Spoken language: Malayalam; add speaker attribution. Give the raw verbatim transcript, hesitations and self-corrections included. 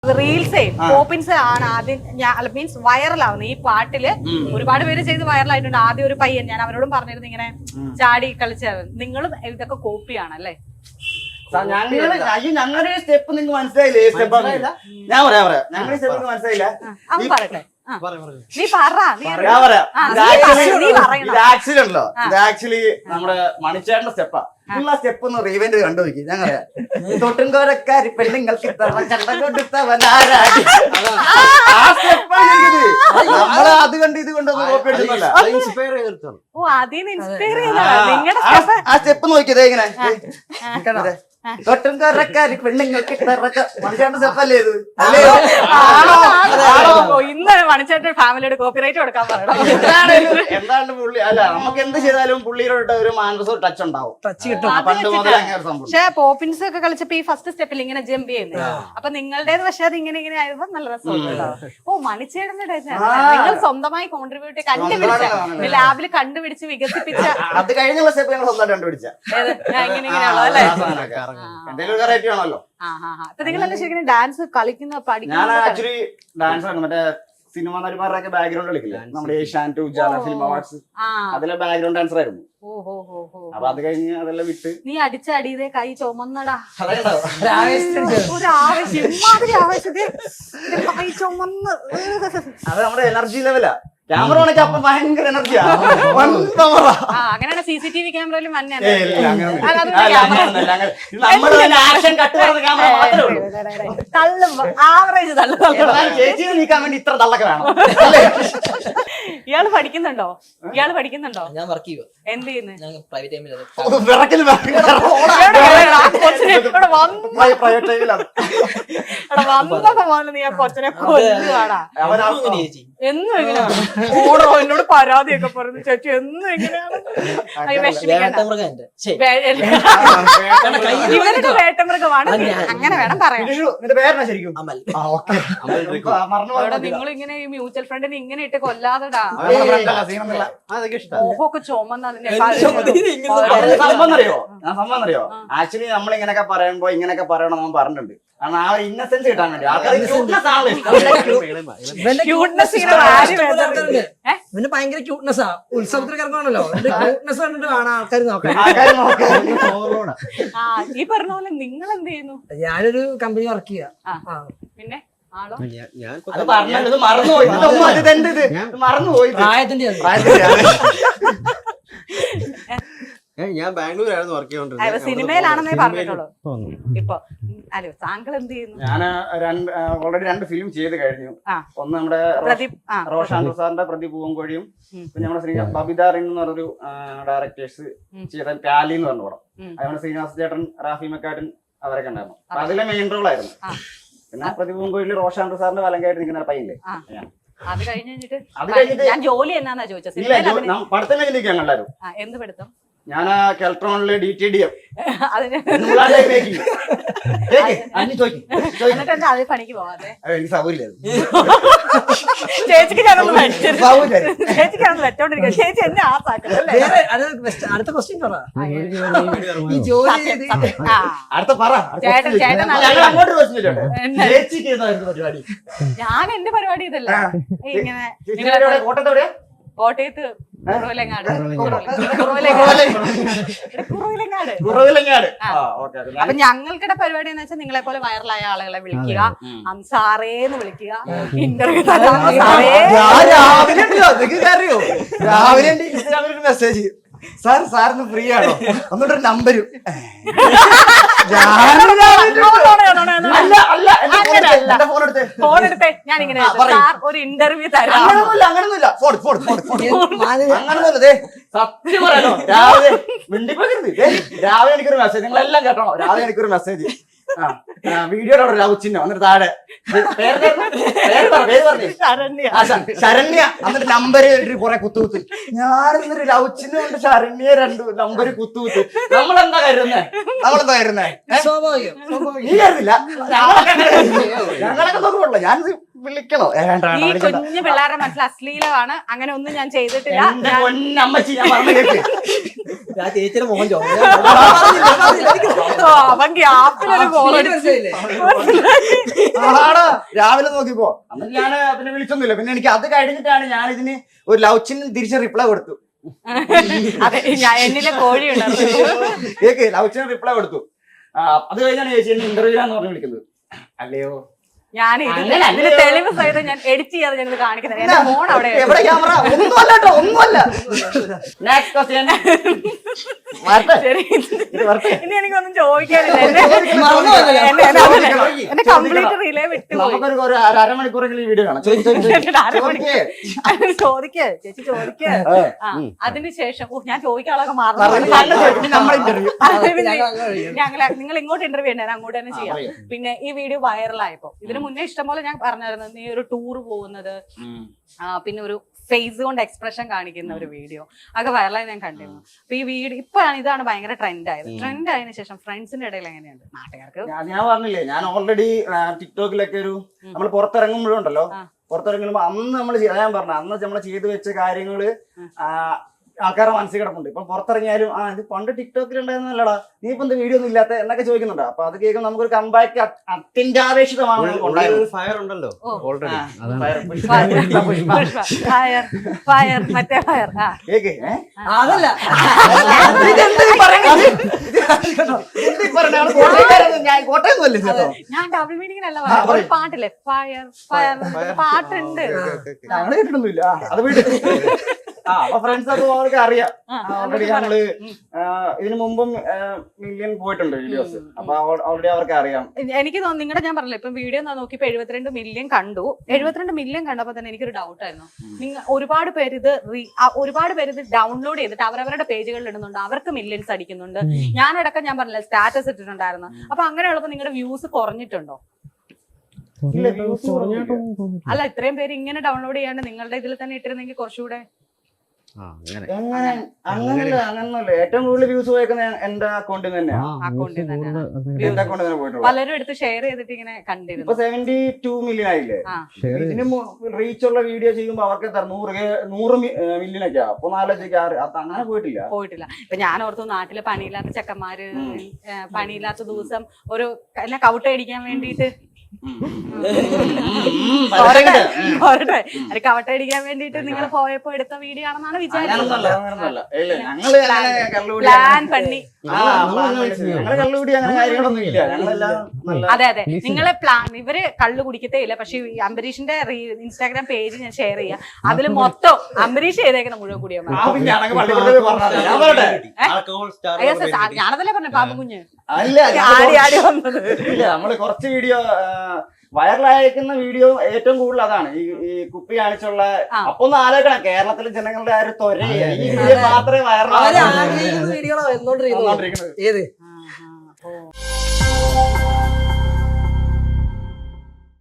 Speaker 1: റീൽസേ പോപ്പിൻസ് ആണ് ആദ്യം മീൻസ് വൈറലാവുന്നത് ഈ പാട്ടില്. ഒരുപാട് പേര് ചെയ്ത് വൈറലായിട്ടുണ്ട്. ആദ്യം ഒരു പയ്യൻ, ഞാൻ അവരോടും പറഞ്ഞിരുന്നു ഇങ്ങനെ ചാടി കളിച്ചത്. നിങ്ങളും ഇതൊക്കെ കോപ്പിയാണല്ലേ?
Speaker 2: ഞങ്ങളുടെ സ്റ്റെപ്പ് നിങ്ങൾക്ക് മനസ്സിലായില്ലേ? സ്റ്റെപ്പ് ഞാൻ പറയാം പറയാം ഞങ്ങളുടെ സ്റ്റെപ്പ് മനസ്സിലായില്ല.
Speaker 1: അവൻ പറയട്ടെ, നീ പറ.
Speaker 2: ഇത് ആക്ച്വലി ഉണ്ടല്ലോ, ഇത് ആക്ച്വലി നമ്മുടെ മണിച്ചേട്ടന്റെ സ്റ്റെപ്പാ. നിങ്ങൾ ആ സ്റ്റെപ്പ് ഒന്ന് റീവെന്റ് കണ്ടു നോക്കി. ഞാൻ പറയാം, തൊട്ടുംകോരക്കാരി പെണ്ണുങ്ങൾക്ക് നമ്മള് അത് കണ്ട് ഇത് കൊണ്ടൊന്നും കോപ്പി അടിച്ചില്ല.
Speaker 1: ഓ, അതിന് ഇൻസ്പയർ ചെയ്ത
Speaker 2: ആ സ്റ്റെപ്പ് നോക്കിയതേ ഇങ്ങനെ തൊട്ടുംകോരക്കാരി പെണ്ണുങ്ങൾക്ക് മണിച്ചേട്ടന്റെ സ്റ്റെപ്പല്ലേ ഇത്?
Speaker 1: ഇന്ന് മണിച്ചേട്ടൻ ഫാമിലിയുടെ കോപ്പിറൈറ്റ് കൊടുക്കാൻ പറയണം.
Speaker 2: എന്താണ് പുള്ളി അല്ല, നമുക്ക് എന്ത് ചെയ്താലും പുള്ളിയുടെ ഒരു മാനസോ ടച്ച് ഉണ്ടാവും.
Speaker 1: പക്ഷെ പോപ്പിൻസ് ഒക്കെ കളിച്ചപ്പോ ഈ ഫസ്റ്റ് സ്റ്റെപ്പിൽ ഇങ്ങനെ ജമ്പ് ചെയ്യുന്നത്, അപ്പൊ നിങ്ങളുടേത് പക്ഷെ അത് ഇങ്ങനെ ഇങ്ങനെ ആയപ്പോ നല്ല രസമുണ്ടാവും. ഓ, മണിച്ചേട്ടന്റെ നിങ്ങൾ സ്വന്തമായി കോൺട്രിബ്യൂട്ട് കണ്ടുപിടിച്ച ലാബിൽ കണ്ടുപിടിച്ച് വികസിപ്പിച്ച
Speaker 2: അത് കഴിഞ്ഞുള്ള സ്റ്റെപ്പ് ഞങ്ങൾ സ്വന്തമായിട്ട് കണ്ടുപിടിച്ച
Speaker 1: ഇങ്ങനെ ഇങ്ങനെയാണോ അല്ലേ?
Speaker 2: എന്തെങ്കിലും വെറൈറ്റി ആണല്ലോ.
Speaker 1: അപ്പൊ നിങ്ങളെല്ലാം ശരിക്കും ഡാൻസ് കളിക്കുന്ന പഠിക്കുന്ന?
Speaker 2: ഞാൻ ആക്ച്വലി ഡാൻസ് ആണ് മറ്റേ സിനിമ നടിമാരുടെ ബാക്ക്ഗ്രൗണ്ട് കളിക്കില്ല, നമ്മുടെ ഏഷ്യാനെറ്റ് ഉജാല ഫിലിം അവാർഡ്സ് അതിലെ ബാക്ക്ഗ്രൗണ്ട് ഡാൻസർ ആയിരുന്നു. അപ്പൊ അത് കഴിഞ്ഞ് അതെല്ലാം വിട്ട്
Speaker 1: നീ അടിച്ചടിയതേ കൈ ചുമന്നടാ.
Speaker 2: ഒരു
Speaker 1: ആവശ്യം ആവശ്യത്തെ കൈ ചുമന്ന്
Speaker 2: അത് നമ്മുടെ എനർജി ലെവലാ. ക്യാമറ ഓണൊക്കെ അപ്പൊ ഭയങ്കര എനർജിയാ.
Speaker 1: അങ്ങനെയാണ് സി സി ടി വി ക്യാമറയിൽ ആവറേജ്
Speaker 2: ചേച്ചിയെ നീക്കാൻ വേണ്ടി ഇത്ര തള്ളൊക്കെ വേണം.
Speaker 1: ഇയാള് പഠിക്കുന്നുണ്ടോ? ഇയാള് പഠിക്കുന്നുണ്ടോ?
Speaker 3: ഞാൻ വർക്ക് ചെയ്യുക.
Speaker 1: എന്ത് ചെയ്യുന്നു?
Speaker 3: പ്രൈവറ്റ് ടൈമിൽ
Speaker 1: വന്നപ്പോ പോലെ നീ ആ കൊച്ചിനെ കൊല്ലുവാടാ. എന്നും എങ്ങനെയാണ് ഓടോ എന്നോട് പരാതിയൊക്കെ പറഞ്ഞു, ചേച്ചി എന്നും എങ്ങനെയാണ് ഇവരുടെ വേട്ടമൃഗമാണ്. അങ്ങനെ വേണം പറയാൻ. നിങ്ങൾ ഇങ്ങനെ ഈ മ്യൂച്വൽ ഫ്രണ്ടിന് ഇങ്ങനെ ഇട്ട് കൊല്ലാതെടാ. ഓഹൊക്കെ ചുമന്നതിന്റെ
Speaker 2: സംഭവം അറിയോ? സംഭവം അറിയോ? ആക്ച്വലി നമ്മൾ ഇങ്ങനെയൊക്കെ പറയുമ്പോ ഇങ്ങനെയൊക്കെ പറയണം എന്ന് പറഞ്ഞിട്ടുണ്ട്. കാരണം ആ ഒരു ഇന്നസെൻസ് കിട്ടാൻ വേണ്ടി
Speaker 3: ഇവന് ഭയങ്കര ക്യൂട്ട്നെസ്സാ. ഉത്സവത്തിനൊക്കെ ഇറങ്ങുവാണല്ലോ, ക്യൂട്ട്നെസ് കണ്ടിട്ട് കാണാൻ ആൾക്കാർ നോക്കാം.
Speaker 1: ഈ പറഞ്ഞ പോലെ നിങ്ങൾ എന്ത് ചെയ്യുന്നു?
Speaker 3: ഞാനൊരു കമ്പനി വർക്ക് ചെയ്യാ.
Speaker 1: പിന്നെ
Speaker 2: മറന്നുപോയി.
Speaker 3: പ്രായത്തിന്റെ
Speaker 4: ഞാൻ ബാംഗ്ലൂരായിരുന്നു വർക്ക് ചെയ്തോണ്ടിരുന്നത്.
Speaker 1: സിനിമയിലാണെന്നേ പറഞ്ഞിട്ടുള്ളൂ. ഇപ്പൊ അല്ലോ താങ്കൾ എന്ത് ചെയ്യുന്നു?
Speaker 2: ഞാൻ ഓൾറെഡി രണ്ട് ഫിലിം ചെയ്ത് കഴിഞ്ഞു. ഒന്ന് നമ്മുടെ റോഷാൻ സാറിന്റെ പ്രദീപ് പൂവൻകോഴിയും, പിന്നെ നമ്മുടെ ശ്രീ ബബിത റിൻ എന്ന് പറഞ്ഞൊരു ഡയറക്ടേഴ്സ് ചെയ്ത പ്യാലി എന്ന് പറഞ്ഞ പടം. അതുകൊണ്ട് ശ്രീനിവാസ ചേട്ടൻ, റാഫി മെക്കാട്ടൻ അവരൊക്കെ ഉണ്ടായിരുന്നു. അതിലെ മെയിൻ റോൾ ആയിരുന്നു. പിന്നെ പ്രദീപ് പൂവൻകോഴിയിൽ റോഷാൻ സാറിന്റെ വലങ്കായിട്ട് നിൽക്കുന്ന പയ്യല്ലേ.
Speaker 1: അത് കഴിഞ്ഞിട്ട് ഞാൻ ജോലി എന്നാ ചോദിച്ചത്.
Speaker 2: പഠിത്തം കഴിഞ്ഞിരിക്കാൻ കണ്ടായിരുന്നു.
Speaker 1: എന്ത് പഠിത്തം?
Speaker 2: ഞാൻ കെൽട്രോണില് ഡി ടി ഡി എം
Speaker 1: പണിക്ക് പോവാതെ
Speaker 2: എനിക്ക് സൗകര്യം
Speaker 1: ചേച്ചിക്ക് ഞാനൊന്ന് ചേച്ചിക്ക് ഞാനൊന്ന് വെച്ചോണ്ടിരിക്കുക. ചേച്ചി എന്നെ ആസാക്കല്ലേ.
Speaker 3: അടുത്ത ക്വസ്റ്റ്യൻ പറ. ഈ ജോലി
Speaker 2: അടുത്ത പറ.
Speaker 1: ചേട്ടൻ ചേട്ടൻ
Speaker 2: പരിപാടി
Speaker 1: ഞാൻ എന്റെ പരിപാടി ഇതല്ല. ഇങ്ങനെ
Speaker 2: കോട്ടയത്തോടെയാ?
Speaker 1: കോട്ടയത്ത് കുറവിലങ്ങാട്. അപ്പൊ ഞങ്ങൾക്കിടെ പരിപാടി എന്ന് വെച്ചാൽ നിങ്ങളെ പോലെ വൈറലായ ആളുകളെ വിളിക്കുക, അൻസാറേന്ന് വിളിക്കുക, ഇന്റർവ്യൂ
Speaker 2: അറിയോ? രാവിലെ ഇൻസ്റ്റാഗ്രാമിൽ മെസ്സേജ്, സാർ സാറിന് ഫ്രീ ആണോ? ഒന്നുകൂടെ നമ്പരും
Speaker 1: ഫോൺ എടുത്തേ ഞാൻ ഇങ്ങനെ ഒരു ഇന്റർവ്യൂ തരാം.
Speaker 2: അങ്ങനൊന്നുമില്ല. അങ്ങനൊന്നുമില്ല. സത്യം പറയാനോ, രാവിലെ മിണ്ടിപ്പോകരുത്. രാവിലെ എനിക്കൊരു മെസ്സേജ്, നിങ്ങളെല്ലാം കേട്ടോ. രാവിലെ എനിക്കൊരു മെസ്സേജ്, വീഡിയോയുടെ ലവ് ചിഹ്നം എന്നിട്ട് താഴെ ശരണ്യ എന്നിട്ട് നമ്പര് കുറെ കുത്തുകുത്ത്. ഞാൻ എന്നിട്ട് ലവ് ചിഹ്നം കൊണ്ട് ശരണ്യ രണ്ട് നമ്പര് കുത്തുകുത്ത്. നമ്മളെന്താ കരുതുന്നേ? നമ്മളെന്താ കരുതുന്നേ? നീ കരുതില്ല. ഞങ്ങളൊക്കെ നോക്കുള്ളൂ. ഞാൻ വിളിക്കണോ ഏ, വേണ്ട, വേണ്ട,
Speaker 1: ഈ
Speaker 2: വിളിക്കണ്ട.
Speaker 1: കുഞ്ഞു പിള്ളേരുടെ മനസ്സിൽ അശ്ലീലമാണ്, അങ്ങനെ ഒന്നും ഞാൻ ചെയ്തിട്ടില്ല.
Speaker 2: എന്റെ പൊന്നമ്മച്ചി, ഞാൻ പറഞ്ഞു കേൾക്ക്.
Speaker 4: ആ ചേച്ചിയുടെ മോഹൻ ചോദിച്ചു
Speaker 1: ഓ, അവൻ ഗ്യാപ്പിലൊരു കോൾ അടിച്ചു.
Speaker 2: ആടാ, രാവിലെ നോക്കിപ്പോ അന്ന് ഞാൻ പിന്നെ വിളിച്ചൊന്നുമില്ല. പിന്നെ എനിക്ക് അത് കഴിഞ്ഞിട്ടാണ് ഞാൻ ഇതിന് ഒരു ലവ് ചിഹ്നം തിരിച്ച് റിപ്ലൈ കൊടുത്തു.
Speaker 1: അതെ, ഞാൻ എന്നിലെ കോഴി ഉണ്ടായിരുന്നു.
Speaker 2: കേക്ക് ലവ് ചിഹ്നം റിപ്ലൈ കൊടുത്തു. ആ, അത് കഴിഞ്ഞാണ് ചേച്ചി എന്നെ ഇന്റർവ്യൂ ചെയ്യാന്ന് പറഞ്ഞ് വിളിക്കുന്നത്. അല്ലയോ
Speaker 1: ഞാൻ ഇതിന് തെളിവ് സഹിതം ഞാൻ എഡിറ്റ് ചെയ്യാതെ ഞങ്ങൾ കാണിക്കുന്നത്. എന്റെ ഫോൺ അവിടെ
Speaker 2: എവിടെ ക്യാമറ? ഒന്നുമല്ല കേട്ടോ, ഒന്നുമല്ല. Next question.
Speaker 1: ശരി, ഇനി എനിക്കൊന്നും ചോദിക്കാനില്ല. എന്നെ എന്നെ കംപ്ലീറ്റ് റിലേ വിട്ടുപോയി.
Speaker 2: നമുക്കൊരു ഒരു അര- അരമണിക്കൂറെങ്കിലും ഈ വീഡിയോ കാണാം. ചോദിക്ക്, ചോദിക്ക്, ചോദിക്ക്. ചോദിക്ക്.
Speaker 1: ചോദിക്ക് ചേച്ചി, ചോദിക്ക്. ആ, അതിനുശേഷം ഓ, ഞാൻ ചോദിക്കാളൊക്കെ
Speaker 2: പറഞ്ഞ് നല്ല ചോദിക്ക്. ഇനി നമ്മളെ ഇന്റർവ്യൂ.
Speaker 1: ഞങ്ങൾ നിങ്ങൾ ഇങ്ങോട്ട് ഇന്റർവ്യൂ ഉണ്ട്, അങ്ങോട്ട് തന്നെ ചെയ്യാം. പിന്നെ ഈ വീഡിയോ വൈറലായപ്പോ, ഇതിന് മുന്നേ ഇഷ്ടംപോലെ ഞാൻ പറഞ്ഞായിരുന്നു, നീ ഒരു ടൂർ പോകുന്നത്, പിന്നെ ഒരു ഫേസ് കൊണ്ട് എക്സ്പ്രഷൻ കാണിക്കുന്ന ഒരു വീഡിയോ ഒക്കെ വൈറലായി ഞാൻ കണ്ടിരുന്നു. അപ്പൊ ഈ വീഡിയോ ഇപ്പോഴാണ് ഇതാണ് ഭയങ്കര ട്രെൻഡ് ആയത്. ട്രെൻഡ് ആയതിനു ശേഷം ഫ്രണ്ട്സിന്റെ ഇടയിൽ എങ്ങനെയുണ്ട് നാട്ടുകാർക്ക്?
Speaker 2: ഞാൻ ഞാൻ പറഞ്ഞില്ലേ, ഞാൻ ഓൾറെഡി ടിക്ടോക്കിലൊക്കെ ഒരു നമ്മൾ പുറത്തിറങ്ങുമ്പോഴുണ്ടല്ലോ, പുറത്തിറങ്ങുമ്പോ അന്ന് നമ്മൾ ഞാൻ പറഞ്ഞ അന്ന് നമ്മൾ ചെയ്തു വെച്ച കാര്യങ്ങള് ആൾക്കാരുടെ മനസ്സിൽ കിടപ്പുണ്ട്. ഇപ്പൊ പുറത്തിറങ്ങിയാലും ആ ഇത് പണ്ട് ടിക്ടോക്കിൽ ഉണ്ടായിരുന്നല്ലടാ, നീ ഇപ്പൊ എന്താ വീഡിയോ ഒന്നും ഇല്ലാത്ത എന്നൊക്കെ ചോദിക്കുന്നുണ്ട്. അപ്പൊ അത് കേൾക്കുമ്പോൾ നമുക്കൊരു കമ്പാക്ക് അത്യന്താപേക്ഷിതമാണ്
Speaker 4: ഫയർ ഉണ്ടല്ലോ ഓൾറെഡി.
Speaker 1: ഫയർ ഫയർ മറ്റേ ഫയർ.
Speaker 2: കേക്ക്
Speaker 3: അതല്ല
Speaker 1: ഞാൻ ഡബിൾ മീനിങ്ങിനല്ല പറഞ്ഞത്, ഒരു പാട്ടില്ലേ ഫയർ ഫയർ പാട്ടുണ്ട്.
Speaker 2: ഞങ്ങള് കേട്ടിട്ടൊന്നുമില്ല, അത് വീട്ടിൽ ആ അപ്പൊ ഫ്രണ്ട്സ് ഒക്കെ അവർക്ക് അറിയാം. ഓൾറെഡി ഞങ്ങള് ഇതിനു മുമ്പും മില്യൺ പോയിട്ടുണ്ട് വീഡിയോസ്. അപ്പൊ ഓൾറെഡി അവർക്ക് അറിയാം.
Speaker 1: എനിക്ക് തോന്നുന്നു നിങ്ങളുടെ, ഞാൻ പറഞ്ഞില്ല ഇപ്പൊ വീഡിയോ നോക്കിയപ്പോ എഴുപത്തിരണ്ട് മില്യൺ കണ്ടു. എഴുപത്തിരണ്ട് മില്യൺ കണ്ടപ്പോ തന്നെ എനിക്കൊരു ഡൗട്ട് ആയിരുന്നു. നിങ്ങൾ ഒരുപാട് പേര് ഇത് ഒരുപാട് പേര് ഇത് ഡൗൺലോഡ് ചെയ്തിട്ട് അവരവരുടെ പേജുകളിൽ ഇടുന്നുണ്ട്, അവർക്ക് മില്യൺസ് അടിക്കുന്നുണ്ട്. ഞാനടക്കം ഞാൻ പറഞ്ഞില്ല സ്റ്റാറ്റസ് ഇട്ടിട്ടുണ്ടായിരുന്നു. അപ്പൊ അങ്ങനെയുള്ളപ്പോ നിങ്ങളുടെ വ്യൂസ് കുറഞ്ഞിട്ടുണ്ടോ? അല്ല, ഇത്രയും പേര് ഇങ്ങനെ ഡൗൺലോഡ് ചെയ്യാണ്ട് നിങ്ങളുടെ ഇതിൽ തന്നെ ഇട്ടിരുന്നെങ്കിൽ കുറച്ചുകൂടെ.
Speaker 2: എങ്ങനെ അങ്ങനല്ല അങ്ങനല്ല ഏറ്റവും കൂടുതൽ വ്യൂസ് പോയേക്കുന്ന എന്റെ അക്കൗണ്ടിൽ തന്നെയാണ്.
Speaker 1: അക്കൗണ്ടിൽ തന്നെ
Speaker 2: എന്റെ അക്കൗണ്ടിൽ തന്നെ പോയിട്ടുള്ളത്.
Speaker 1: പലരും എടുത്ത് ഷെയർ ചെയ്തിട്ട് ഇങ്ങനെ കണ്ടിരുന്നു.
Speaker 2: ഇപ്പൊ സെവന്റി ടു മില്യൺ ആയില്ലേ. ഇതിന് റീച്ച് ഉള്ള വീഡിയോ ചെയ്യുമ്പോ അവർക്ക് എത്ര നൂറ് നൂറ് മില്യൺ ഒക്കെ അപ്പൊ നാലോചിക്ക് അങ്ങനെ പോയിട്ടില്ല
Speaker 1: പോയിട്ടില്ല ഇപ്പൊ ഞാൻ ഓർത്തു നാട്ടില് പണിയില്ലാത്ത ചെക്കന്മാര് പണിയില്ലാത്ത ദിവസം ഒരു എന്നെ കൗട്ട് അടിക്കാൻ വേണ്ടിട്ട് കവട്ട അടിക്കാൻ വേണ്ടിട്ട് നിങ്ങൾ പോയപ്പോ എടുത്ത വീഡിയോ ആണെന്നാണ് വിചാരിച്ചത്. പ്ലാൻ പണി. അതെ അതെ, നിങ്ങളെ പ്ലാൻ. ഇവര് കള്ളു കുടിക്കത്തേ ഇല്ല, പക്ഷെ അംബരീഷിന്റെ ഇൻസ്റ്റാഗ്രാം പേജ് ഞാൻ ഷെയർ ചെയ്യാം. അതില് മൊത്തം അംബരീഷ് ചെയ്തേക്കുന്ന മുഴുവൻ കൂടിയാ. ഞാനതല്ലേ പറഞ്ഞ പാപ്പ കുഞ്ഞ് ആടി ആടി വന്നത്.
Speaker 2: നമ്മള് കുറച്ച് വീഡിയോ വൈറലായിരിക്കുന്ന വീഡിയോ ഏറ്റവും കൂടുതൽ അതാണ് ഈ ഈ കുപ്പി കാണിച്ചുള്ള. അപ്പൊ ഒന്ന് ആലോചിക്കണം, കേരളത്തിലെ ജനങ്ങളുടെ ആ ഒരു ത്വര ഈ വീഡിയോ മാത്രമേ വൈറലാകുന്നത്.
Speaker 3: വീഡിയോ